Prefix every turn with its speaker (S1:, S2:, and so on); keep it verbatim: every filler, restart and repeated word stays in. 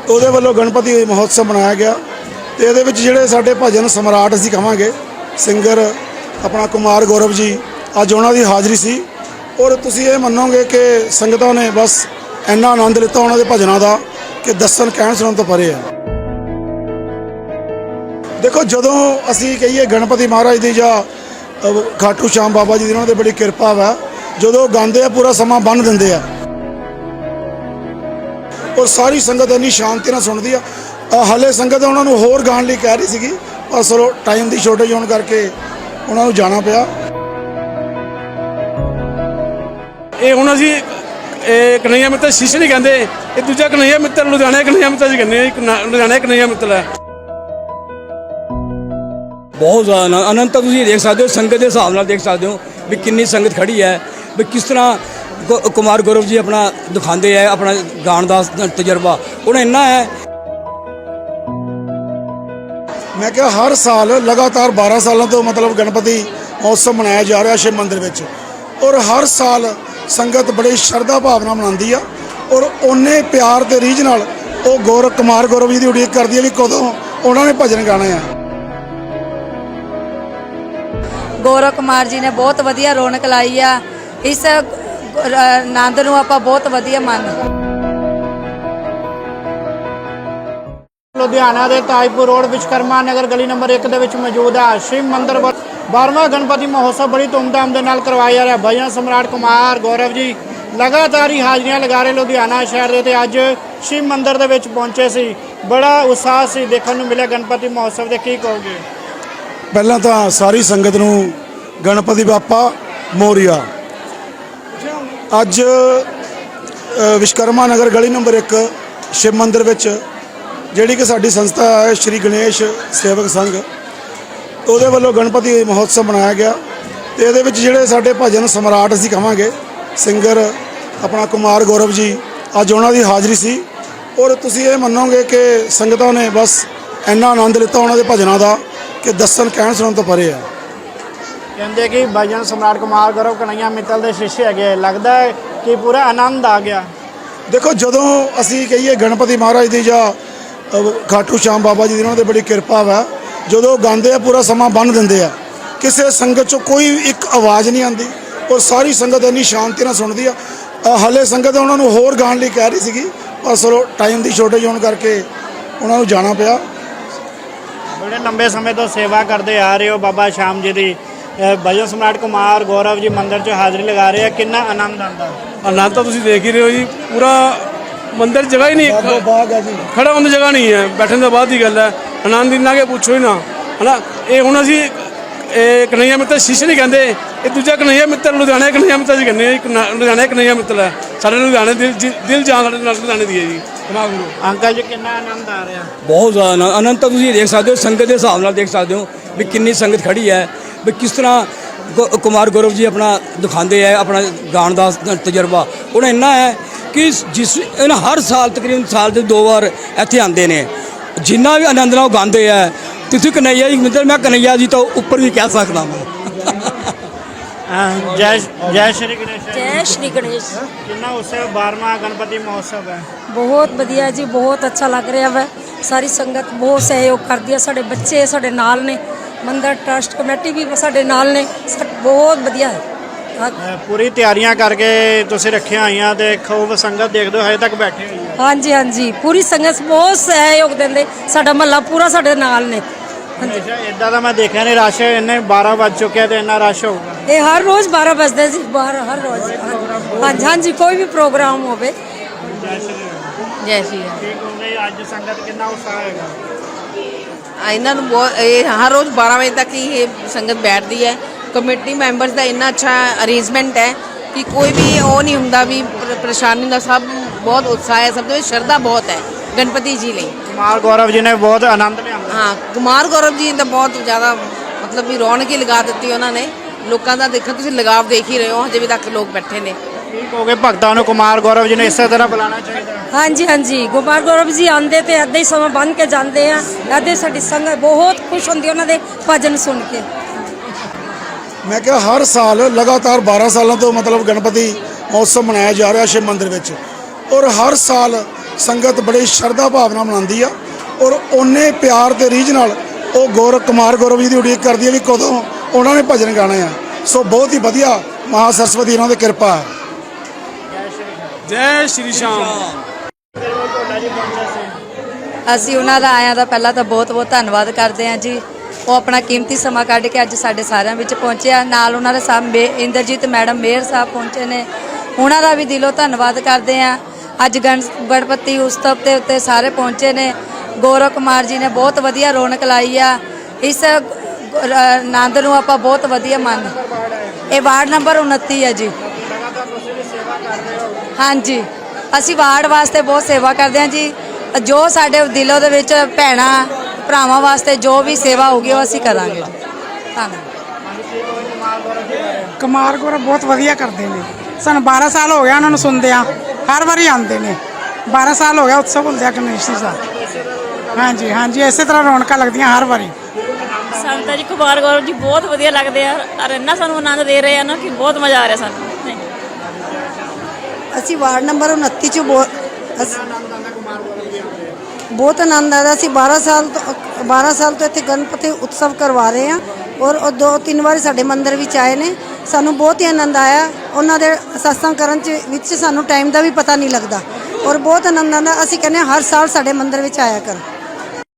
S1: ਉਹਦੇ ਵੱਲੋਂ ਗਣਪਤੀ ਮਹੋਤਸਵ ਮਨਾਇਆ ਗਿਆ ਤੇ ਇਹਦੇ ਵਿੱਚ ਜਿਹੜੇ ਸਾਡੇ ਭਜਨ ਸਮਰਾਟ ਅਸੀਂ ਕਹਾਂਗੇ ਸਿੰਗਰ ਆਪਣਾ ਕੁਮਾਰ ਗੌਰਵ ਜੀ, ਅੱਜ ਉਹਨਾਂ ਦੀ ਹਾਜ਼ਰੀ ਸੀ। ਔਰ ਤੁਸੀਂ ਇਹ ਮੰਨੋਗੇ ਕਿ ਸੰਗਤਾਂ ਨੇ ਬਸ ਇੰਨਾ ਆਨੰਦ ਲਿੱਤਾ ਉਹਨਾਂ ਦੇ ਭਜਨਾਂ ਦਾ ਕਿ ਦੱਸਣ ਕਹਿਣ ਸੁਣਨ ਤੋਂ ਪਰੇ ਆ। ਦੇਖੋ, ਜਦੋਂ ਅਸੀਂ ਕਹੀਏ ਗਣਪਤੀ ਮਹਾਰਾਜ ਦੀ ਜਾਂ ਖਾਟੂ ਸ਼ਾਮ ਬਾਬਾ ਜੀ ਦੀ ਉਹਨਾਂ ਦੀ ਬੜੀ ਕਿਰਪਾ ਵਾ, ਜਦੋਂ ਗਾਉਂਦੇ ਆ ਪੂਰਾ ਸਮਾਂ ਬੰਨ੍ਹ ਦਿੰਦੇ ਆ ਔਰ ਸਾਰੀ ਸੰਗਤ ਇੰਨੀ ਸ਼ਾਂਤੀ ਨਾਲ ਸੁਣਦੀ ਆ। ਹਾਲੇ ਸੰਗਤ ਉਹਨਾਂ ਨੂੰ ਹੋਰ ਗਾਣ ਲਈ ਕਹਿ ਰਹੀ ਸੀਗੀ, ਪਰ ਚਲੋ ਟਾਈਮ ਦੀ ਸ਼ੋਰਟੇਜ ਹੋਣ ਕਰਕੇ ਉਹਨਾਂ ਨੂੰ ਜਾਣਾ ਪਿਆ।
S2: ਇਹ ਹੁਣ ਅਸੀਂ ਇਹ ਕਨਈਆ ਮਿੱਤਰ ਸ਼ੀਸ਼ੇ ਨਹੀਂ ਕਹਿੰਦੇ, ਇਹ ਦੂਜਾ ਕਨਈਆ ਮਿੱਤਰ ਲੁਧਿਆਣਾ ਕਨਈਆ ਮਿੱਤਰ ਜੀ ਕਹਿੰਦੇ ਆ। ਲੁਧਿਆਣਾ ਕਨਈਆ ਮਿੱਤਰ ਹੈ।
S3: ਬਹੁਤ ਜ਼ਿਆਦਾ ਆਨੰਦ ਤਾਂ ਤੁਸੀਂ ਦੇਖ ਸਕਦੇ ਹੋ, ਸੰਗਤ ਦੇ ਹਿਸਾਬ ਨਾਲ ਦੇਖ ਸਕਦੇ ਹੋ ਵੀ ਕਿੰਨੀ ਸੰਗਤ ਖੜੀ ਹੈ, ਵੀ ਕਿਸ ਤਰ੍ਹਾਂ ਕੁਮਾਰ ਗੌਰਵ ਜੀ ਆਪਣਾ ਦਿਖਾਉਂਦੇ ਹੈ ਆਪਣਾ ਗਾਣ ਦਾ ਤਜਰਬਾ ਉਹਨਾਂ ਇੰਨਾ ਹੈ।
S1: ਮੈਂ ਕਿਹਾ ਹਰ ਸਾਲ ਲਗਾਤਾਰ ਬਾਰਾਂ ਸਾਲਾਂ ਤੋਂ ਮਤਲਬ ਗਣਪਤੀ ਮਹੋਤਸਵ ਮਨਾਇਆ ਜਾ ਰਿਹਾ ਸ਼ਿਵ ਮੰਦਿਰ ਵਿੱਚ, ਔਰ ਹਰ ਸਾਲ ਸੰਗਤ ਬੜੀ ਸ਼ਰਧਾ ਭਾਵਨਾ ਮਨਾਉਂਦੀ ਆ ਔਰ ਓਨੇ ਪਿਆਰ ਤੇ ਰੀਝ ਨਾਲ ਉਹ ਗੌਰਵ ਕੁਮਾਰ ਗੌਰਵ ਜੀ ਦੀ ਉਡੀਕ ਕਰਦੀ ਹੈ ਵੀ ਕਦੋਂ ਉਹਨਾਂ ਨੇ ਭਜਨ ਗਾਣੇ ਆ।
S4: ਗੌਰਵ ਕੁਮਾਰ ਜੀ ਨੇ ਬਹੁਤ ਵਧੀਆ ਰੌਣਕ ਲਾਈ ਆ। ਇਸ ਆਨੰਦ ਨੂੰ ਆਪਾਂ ਬਹੁਤ ਵਧੀਆ ਮੰਨਦੇ।
S5: ਲੁਧਿਆਣਾ ਦੇ ਤਾਜਪੁਰ ਰੋਡ ਵਿਸ਼ਕਰਮਾ ਨਗਰ ਗਲੀ ਨੰਬਰ ਇੱਕ ਦੇ ਵਿੱਚ ਮੌਜੂਦ ਹੈ ਸ਼ਿਵ ਮੰਦਿਰ। ਬਾਰ੍ਹਵਾਂ ਗਣਪਤੀ ਮਹੋਤਸਵ ਬੜੀ ਧੂਮਧਾਮ ਦੇ ਨਾਲ ਕਰਵਾਇਆ ਜਾ ਰਿਹਾ। ਭਜਨ ਸਮਰਾਟ ਕੁਮਾਰ ਗੌਰਵ ਜੀ ਲਗਾਤਾਰ ਹੀ ਹਾਜ਼ਰੀਆਂ ਲਗਾ ਰਹੇ ਲੁਧਿਆਣਾ ਸ਼ਹਿਰ ਦੇ, ਤੇ ਅੱਜ ਸ਼ਿਵ ਮੰਦਿਰ ਦੇ ਵਿੱਚ ਪਹੁੰਚੇ ਸੀ। ਬੜਾ ਉਤਸ਼ਾਹ ਸੀ ਦੇਖਣ ਨੂੰ ਮਿਲਿਆ ਗਣਪਤੀ ਮਹੋਤਸਵ ਦੇ। ਕੀ ਕਹੋਗੇ?
S1: ਪਹਿਲਾਂ ਤਾਂ ਸਾਰੀ ਸੰਗਤ ਨੂੰ ਗਣਪਤੀ ਬਾਪਾ ਮੋਰੀਆ। ਅੱਜ ਵਿਸ਼ਕਰਮਾ ਨਗਰ ਗਲੀ ਨੰਬਰ ਇੱਕ ਸ਼ਿਵ ਮੰਦਿਰ ਵਿੱਚ ਜਿਹੜੀ ਕਿ ਸਾਡੀ ਸੰਸਥਾ ਹੈ ਸ਼੍ਰੀ ਗਣੇਸ਼ ਸੇਵਕ ਸੰਘ, ਉਹਦੇ ਵੱਲੋਂ ਗਣਪਤੀ ਮਹੋਤਸਵ ਮਨਾਇਆ ਗਿਆ ਤੇ ਇਹਦੇ ਵਿੱਚ ਜਿਹੜੇ ਸਾਡੇ ਭਜਨ ਸਮਰਾਟ ਅਸੀਂ ਕਹਾਂਗੇ ਸਿੰਗਰ ਆਪਣਾ ਕੁਮਾਰ ਗੌਰਵ ਜੀ, ਅੱਜ ਉਹਨਾਂ ਦੀ ਹਾਜ਼ਰੀ ਸੀ। ਔਰ ਤੁਸੀਂ ਇਹ ਮੰਨੋਗੇ ਕਿ ਸੰਗਤਾਂ ਨੇ ਬਸ ਇੰਨਾ ਆਨੰਦ ਲਿੱਤਾ ਉਹਨਾਂ ਦੇ ਭਜਨਾਂ ਦਾ ਕਿ ਦੱਸਣ ਕਹਿਣ ਸੁਣਨ ਤੋਂ ਪਰੇ ਆ।
S5: ਕਹਿੰਦੇ ਕਿ ਭਜਨ ਸਮਰਾਟ ਕੁਮਾਰ ਗੌਰਵ ਕਨਈਆ ਮਿੱਤਲ ਦੇ ਸ਼ਿਸ਼ੇ ਹੈਗੇ, ਲੱਗਦਾ ਹੈ ਕਿ ਪੂਰਾ ਆਨੰਦ ਆ ਗਿਆ।
S1: ਦੇਖੋ, ਜਦੋਂ ਅਸੀਂ ਕਹੀਏ ਗਣਪਤੀ ਮਹਾਰਾਜ ਦੀ ਜਾਂ ਖਾਟੂ ਸ਼ਾਮ ਬਾਬਾ ਜੀ ਦੀ ਉਹਨਾਂ ਦੀ ਬੜੀ ਕਿਰਪਾ ਵਾ, ਜਦੋਂ ਗਾਉਂਦੇ ਆ ਪੂਰਾ ਸਮਾਂ ਬੰਨ੍ਹ ਦਿੰਦੇ ਆ, ਕਿਸੇ ਸੰਗਤ 'ਚੋਂ ਕੋਈ ਇੱਕ ਆਵਾਜ਼ ਨਹੀਂ ਆਉਂਦੀ ਔਰ ਸਾਰੀ ਸੰਗਤ ਇੰਨੀ ਸ਼ਾਂਤੀ ਨਾਲ ਸੁਣਦੀ ਆ। ਹਾਲੇ ਸੰਗਤ ਉਹਨਾਂ ਨੂੰ ਹੋਰ ਗਾਣ ਲਈ ਕਹਿ ਰਹੀ ਸੀਗੀ, ਪਰ ਚਲੋ ਟਾਈਮ ਦੀ ਸ਼ੋਰਟੇਜ ਹੋਣ ਕਰਕੇ ਉਹਨਾਂ ਨੂੰ ਜਾਣਾ ਪਿਆ।
S5: ਬੜੇ ਲੰਬੇ ਸਮੇਂ ਤੋਂ ਸੇਵਾ ਕਰਦੇ ਆ ਰਹੇ ਹੋ ਬਾਬਾ ਸ਼ਾਮ ਜੀ ਦੀ। ਭਜਨ ਸਮਰਾਟ ਕੁਮਾਰ ਗੌਰਵ ਜੀ ਮੰਦਿਰ 'ਚ ਹਾਜ਼ਰੀ ਲਗਾ ਰਹੇ ਆ, ਕਿੰਨਾ ਆਨੰਦ ਆਉਂਦਾ?
S2: ਆਨੰਦ ਤਾਂ ਤੁਸੀਂ ਦੇਖ ਹੀ ਰਹੇ ਹੋ ਜੀ। ਪੂਰਾ ਮੰਦਿਰ ਜਗ੍ਹਾ ਹੀ ਨਹੀਂ, ਖੜਾ ਹੋਣ ਦੀ ਜਗ੍ਹਾ ਨਹੀਂ ਹੈ, ਬੈਠਣ ਤੋਂ ਬਾਅਦ ਦੀ ਗੱਲ ਹੈ। ਆਨੰਦ ਇੰਨਾ ਕਿ ਪੁੱਛੋ ਹੀ ਨਾ, ਹੈ ਨਾ। ਇਹ ਹੁਣ ਅਸੀਂ ਇਹ ਕਨਈਆ ਮਿੱਤਰ ਸ਼ੀਸ਼ੇ ਨਹੀਂ ਕਹਿੰਦੇ, ਇਹ ਦੂਜਾ ਕਨਈਆ ਮਿੱਤਰ ਲੁਧਿਆਣਾ ਕਨਈਆ ਮਿੱਤਰ ਜੀ ਕਹਿੰਦੇ ਆ। ਲੁਧਿਆਣਾ ਕਨਈਆ ਮਿੱਤਰ ਹੈ। ਸਾਡੇ ਲੁਧਿਆਣੇ ਦਿਲ ਦਿਲ ਜਾਨ ਸਾਡੇ ਨਾਲ ਲੁਧਿਆਣੇ ਦੀ ਹੈ ਜੀ।
S5: ਅੰਕਲ ਜੀ, ਕਿੰਨਾ ਆਨੰਦ ਆ ਰਿਹਾ?
S3: ਬਹੁਤ ਜ਼ਿਆਦਾ ਆਨੰਦ ਤਾਂ ਤੁਸੀਂ ਦੇਖ ਸਕਦੇ ਹੋ, ਸੰਗਤ ਦੇ ਹਿਸਾਬ ਨਾਲ ਦੇਖ ਸਕਦੇ ਹੋ ਵੀ ਕਿੰਨੀ ਸੰਗਤ ਖੜੀ ਹੈ, ਵੀ ਕਿਸ ਤਰ੍ਹਾਂ ਕੁਮਾਰ ਗੌਰਵ ਜੀ ਆਪਣਾ ਦਿਖਾਉਂਦੇ ਹੈ ਆਪਣਾ ਗਾਣ ਦਾ ਤਜਰਬਾ ਉਹਨਾਂ ਇੰਨਾ ਹੈ ਕਿ ਜਿਸ ਇਹਨਾਂ ਹਰ ਸਾਲ ਤਕਰੀਬਨ ਸਾਲ ਦੇ ਦੋ ਵਾਰ ਇੱਥੇ ਆਉਂਦੇ ਨੇ। ਜਿੰਨਾ ਵੀ ਆਨੰਦ ਨਾਲ ਉਹ ਗਾਉਂਦੇ ਹੈ। ਤੁਸੀਂ ਕਨਈਆ ਜੀ ਮਿੱਤਰ, ਮੈਂ ਕਨਈਆ ਜੀ ਤੋਂ ਉੱਪਰ ਵੀ ਕਹਿ ਸਕਦਾ ਮੈਂ।
S5: ਜੈ ਜੈ ਸ਼੍ਰੀ ਗਣੇਸ਼।
S4: ਜੈ ਸ਼੍ਰੀ ਗਣੇਸ਼।
S5: ਕਿੰਨਾ ਉਤਸਵ ਬਾਰ੍ਹਵਾਂ ਗਣਪਤੀ ਮਹੋਤਸਵ ਹੈ?
S4: ਬਹੁਤ ਵਧੀਆ ਜੀ, ਬਹੁਤ ਅੱਛਾ ਲੱਗ ਰਿਹਾ ਵਾ। ਸਾਰੀ ਸੰਗਤ ਬਹੁਤ ਸਹਿਯੋਗ ਕਰਦੀ ਹੈ, ਸਾਡੇ ਬੱਚੇ ਸਾਡੇ ਨਾਲ ਨੇ, ਮੰਦਰ ਟਰਸਟ ਕਮੇਟੀ ਵੀ ਸਾਡੇ ਨਾਲ ਨੇ, ਬਹੁਤ ਵਧੀਆ ਹੈ।
S5: ਪੂਰੀ ਤਿਆਰੀਆਂ ਕਰਕੇ ਤੁਸੀਂ ਰੱਖੀਆਂ ਹੋਈਆਂ ਤੇ ਖੂਬ ਸੰਗਤ ਦੇਖਦੇ ਹੋ ਹਜੇ ਤੱਕ ਬੈਠੇ ਹੋਈ ਹੈ।
S4: ਹਾਂਜੀ ਹਾਂਜੀ, ਪੂਰੀ ਸੰਗਤ ਬਹੁਤ ਸਹਿਯੋਗ ਦਿੰਦੇ, ਸਾਡਾ ਮਹੱਲਾ ਪੂਰਾ ਸਾਡੇ ਨਾਲ ਨੇ।
S5: ਹਮੇਸ਼ਾ ਇਦਾਂ ਦਾ ਮੈਂ ਦੇਖਿਆ ਨਹੀਂ, ਰਸ਼ ਇੰਨੇ ਬਾਰਾਂ ਵੱਜ ਚੁੱਕਿਆ ਤੇ ਇੰਨਾ ਰਸ਼ ਹੋਊਗਾ।
S4: ਇਹ ਹਰ ਰੋਜ਼ ਬਾਰਾਂ ਵਜਦੇ ਸੀ ਬਾਹਰ, ਹਰ ਰੋਜ਼। ਹਾਂਜੀ ਹਾਂਜੀ, ਕੋਈ ਵੀ ਪ੍ਰੋਗਰਾਮ ਹੋਵੇ।
S6: ਜੈ ਸ਼੍ਰੀ ਰਾਮ।
S5: ਠੀਕ ਹੋ ਗਈ ਅੱਜ ਸੰਗਤ, ਕਿੰਨਾ ਉਤਸ਼ਾਹ ਹੈਗਾ
S6: ਇਹਨਾਂ ਨੂੰ? ਬਹੁਤ ਇਹ ਹਰ ਰੋਜ਼ ਬਾਰਾਂ ਵਜੇ ਤੱਕ ਹੀ ਇਹ ਸੰਗਤ ਬੈਠਦੀ ਹੈ। ਕਮੇਟੀ ਮੈਂਬਰਸ ਦਾ ਇੰਨਾ ਅੱਛਾ ਅਰੇਂਜਮੈਂਟ ਹੈ ਕਿ ਕੋਈ ਵੀ ਉਹ ਨਹੀਂ ਹੁੰਦਾ ਵੀ ਪਰੇਸ਼ਾਨੀ ਦਾ। ਸਭ ਬਹੁਤ ਉਤਸ਼ਾਹ ਹੈ, ਸਭ ਦੇ ਵਿੱਚ ਸ਼ਰਧਾ ਬਹੁਤ ਹੈ ਗਣਪਤੀ ਜੀ ਲਈ।
S5: ਕੁਮਾਰ ਗੌਰਵ ਜੀ ਨੇ ਬਹੁਤ ਆਨੰਦ ਲਿਆ।
S6: ਹਾਂ, ਕੁਮਾਰ ਗੌਰਵ ਜੀ ਤਾਂ ਬਹੁਤ ਜ਼ਿਆਦਾ ਮਤਲਬ ਵੀ ਰੌਣਕ ਹੀ ਲਗਾ ਦਿੱਤੀ ਉਹਨਾਂ ਨੇ। ਲੋਕਾਂ ਦਾ ਦੇਖੋ ਤੁਸੀਂ ਲਗਾਵ ਦੇਖ ਹੀ ਰਹੇ ਹੋ, ਹਜੇ ਵੀ ਤੱਕ ਲੋਕ ਬੈਠੇ ਨੇ।
S5: ਠੀਕ ਹੋ ਗਏ, ਭਗਤਾਂ ਨੂੰ ਕੁਮਾਰ ਗੌਰਵ ਜੀ ਨੇ ਇਸੇ ਤਰ੍ਹਾਂ ਬੁਲਾਉਣਾ ਚਾਹੀਦਾ।
S4: ਹਾਂਜੀ ਹਾਂਜੀ, ਕੁਮਾਰ ਗੌਰਵ ਜੀ ਆਉਂਦੇ ਤੇ ਇੱਦਾਂ ਹੀ ਸਮਾਂ ਬੰਨ੍ਹ ਕੇ ਜਾਂਦੇ ਆ। ਇੱਦਾਂ ਸਾਡੀ ਸੰਗਤ ਬਹੁਤ ਖੁਸ਼ ਹੁੰਦੀ ਉਹਨਾਂ ਦੇ ਭਜਨ ਸੁਣ ਕੇ।
S1: ਮੈਂ ਕਿਹਾ ਹਰ ਸਾਲ ਲਗਾਤਾਰ ਬਾਰਾਂ ਸਾਲਾਂ ਤੋਂ ਮਤਲਬ ਗਣਪਤੀ ਮਹੋਤਸਵ ਮਨਾਇਆ ਜਾ ਰਿਹਾ ਸ਼ਿਵ ਮੰਦਿਰ ਵਿੱਚ, ਔਰ ਹਰ ਸਾਲ ਸੰਗਤ ਬੜੀ ਸ਼ਰਧਾ ਭਾਵਨਾ ਮਨਾਉਂਦੀ ਆ ਔਰ ਉਹਨੇ ਪਿਆਰ ਤੇ ਰੀਝ ਨਾਲ ਉਹ ਗੌਰਵ ਕੁਮਾਰ ਗੌਰਵ ਜੀ ਦੀ ਉਡੀਕ ਕਰਦੀ ਹੈ ਵੀ ਕਦੋਂ ਉਹਨਾਂ ਨੇ ਭਜਨ ਗਾਣੇ ਆ। ਸੋ ਬਹੁਤ ਹੀ ਵਧੀਆ ਮਹਾ ਸਰਸਵਤੀ ਇਹਨਾਂ ਦੀ ਕਿਰਪਾ ਹੈ।
S2: ਜੈ ਸ਼੍ਰੀ ਸ਼ਾਮ।
S4: ਅਸੀਂ ਉਹਨਾਂ ਦਾ ਆਇਆਂ ਦਾ ਪਹਿਲਾਂ ਤਾਂ ਬਹੁਤ ਬਹੁਤ ਧੰਨਵਾਦ ਕਰਦੇ ਹਾਂ ਜੀ। ਉਹ ਆਪਣਾ ਕੀਮਤੀ ਸਮਾਂ ਕੱਢ ਕੇ ਅੱਜ ਸਾਡੇ ਸਾਰਿਆਂ ਵਿੱਚ ਪਹੁੰਚਿਆ। ਨਾਲ ਉਹਨਾਂ ਦੇ ਸਾਹਿਬ ਮੇ ਇੰਦਰਜੀਤ ਮੈਡਮ ਮੇਅਰ ਸਾਹਿਬ ਪਹੁੰਚੇ ਨੇ, ਉਹਨਾਂ ਦਾ ਵੀ ਦਿਲੋਂ ਧੰਨਵਾਦ ਕਰਦੇ ਹਾਂ। ਅੱਜ ਗਣ ਗਣਪਤੀ ਉਤਸਵ ਦੇ ਉੱਤੇ ਸਾਰੇ ਪਹੁੰਚੇ ਨੇ। ਗੌਰਵ ਕੁਮਾਰ ਜੀ ਨੇ ਬਹੁਤ ਵਧੀਆ ਰੌਣਕ ਲਾਈ ਆ। ਇਸ ਆਨੰਦ ਨੂੰ ਆਪਾਂ ਬਹੁਤ ਵਧੀਆ ਮੰਨਦੇ। ਇਹ ਵਾਰਡ ਨੰਬਰ ਉਨੱਤੀ ਹੈ ਜੀ। ਹਾਂਜੀ, ਅਸੀਂ ਵਾਰਡ ਵਾਸਤੇ ਬਹੁਤ ਸੇਵਾ ਕਰਦੇ ਹਾਂ ਜੀ। ਜੋ ਸਾਡੇ ਦਿਲੋਂ ਦੇ ਵਿੱਚ ਭੈਣਾਂ ਭਰਾਵਾਂ ਵਾਸਤੇ ਜੋ ਵੀ ਸੇਵਾ ਹੋਊਗੀ ਉਹ ਅਸੀਂ ਕਰਾਂਗੇ। ਧੰਨਵਾਦ।
S7: ਕੁਮਾਰ ਗੌਰਵ ਬਹੁਤ ਵਧੀਆ ਕਰਦੇ ਨੇ। ਸਾਨੂੰ ਬਾਰਾਂ ਸਾਲ ਹੋ ਗਿਆ ਉਹਨਾਂ ਨੂੰ ਸੁਣਦਿਆਂ, ਹਰ ਵਾਰੀ ਆਉਂਦੇ ਨੇ। ਬਾਰਾਂ ਸਾਲ ਹੋ ਗਿਆ ਉਤਸਵ ਹੁੰਦਿਆਂ ਗਣੇਸ਼ ਜੀ ਦਾ। ਹਾਂਜੀ ਹਾਂਜੀ, ਇਸੇ ਤਰ੍ਹਾਂ ਰੌਣਕਾਂ ਲੱਗਦੀਆਂ ਹਰ ਵਾਰੀ।
S8: ਸਾਨੂੰ ਤਾਂ ਜੀ ਕੁਮਾਰ ਗੌਰਵ ਜੀ ਬਹੁਤ ਵਧੀਆ ਲੱਗਦੇ ਆ ਔਰ ਇੰਨਾ ਸਾਨੂੰ ਆਨੰਦ ਦੇ ਰਹੇ ਆ ਨਾ ਕਿ ਬਹੁਤ ਮਜ਼ਾ ਆ ਰਿਹਾ ਸਾਨੂੰ।
S9: ਅਸੀਂ ਵਾਰਡ ਨੰਬਰ ਉਨੱਤੀ 'ਚ ਬਹੁਤ ਬਹੁਤ ਆਨੰਦ ਆਇਆ। ਅਸੀਂ ਬਾਰਾਂ ਸਾਲ ਤੋਂ ਬਾਰਾਂ ਸਾਲ ਤੋਂ ਇੱਥੇ ਗਣਪਤੀ ਉਤਸਵ ਕਰਵਾ ਰਹੇ ਹਾਂ ਔਰ ਉਹ ਦੋ ਤਿੰਨ ਵਾਰੀ ਸਾਡੇ ਮੰਦਿਰ ਵਿੱਚ ਆਏ ਨੇ। ਸਾਨੂੰ ਬਹੁਤ ਹੀ ਆਨੰਦ ਆਇਆ। ਉਹਨਾਂ ਦੇ ਸਤਸੰਗ ਕਰਨ 'ਚ ਵਿੱਚ ਸਾਨੂੰ ਟਾਈਮ ਦਾ ਵੀ ਪਤਾ ਨਹੀਂ ਲੱਗਦਾ ਔਰ ਬਹੁਤ ਆਨੰਦ ਆਉਂਦਾ। ਅਸੀਂ ਕਹਿੰਦੇ ਹਾਂ ਹਰ ਸਾਲ ਸਾਡੇ ਮੰਦਿਰ ਵਿੱਚ ਆਇਆ ਕਰਨ।